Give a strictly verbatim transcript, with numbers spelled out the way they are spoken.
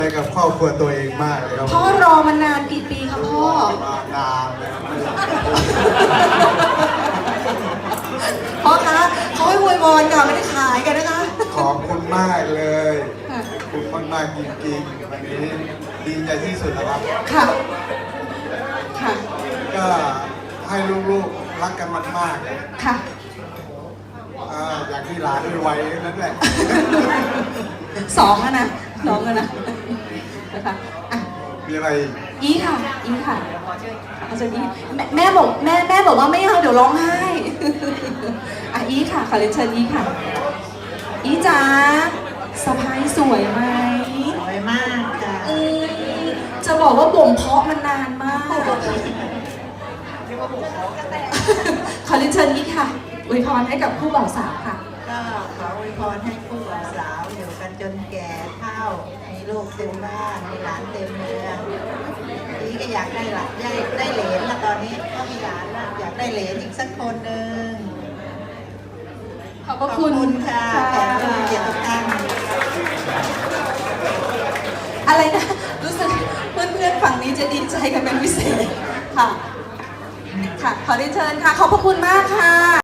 กับครอบครัวตัวเองมากเลยครับพ่อรอมานานกี่ปีครับพ่อมานานเลยครับพ่อคะเขาให้อวยพรค่ะไม่ได้ขายกันนะคะขอบคุณมากเลยขอบคุณมากมากๆจริงๆวันนี้ดีใจที่สุดนะครับค่ะค่ะก็ให้ลูกๆรักกันมากๆเลยค่ะอ่าอยากที่หลานไวๆนั่นแหละสองแล้วนะสองแล้วนะนะคะอ่ะมีอะไรอีกอีค่ะอีค่ะอาจารย์อีแม่แม่บอกแม่แม่บอกว่าไม่เอาเดี๋ยวร้องไห้ อ่ะอีค่ะขอเรียนเชิญอีค่ะอีจ๋าสะพายสวยไหมสวยมากค่ะอืมจะบอกว่าบ่มเพาะมันนานมาก ขอเรียนเชิญอีค่ะอวยพรให้กับคู่บ่าวสาวค่ะก็ขออวยพรให้คู่บ่าวสาวอยู่กันจนแก่เฒ่ามีลูกเต็มบ้านมีหลานเต็มเมืองนี่ก็อยากได้หลานได้ได้เหลนแล้วตอนนี้ก็มีหลานแล้วอยากได้เหลนอีกสักคนหนึ่งขอบพระคุณค่ะขอบคุณเกียรติทุกท่านอะไรนะ รู้สึกเพื่อนๆฝั่งนี้จะดีใจกันเป็นพิเศษค่ะ ค่ะ ขอเรียนเชิญค่ะ ขอบพระคุณมากค่ะ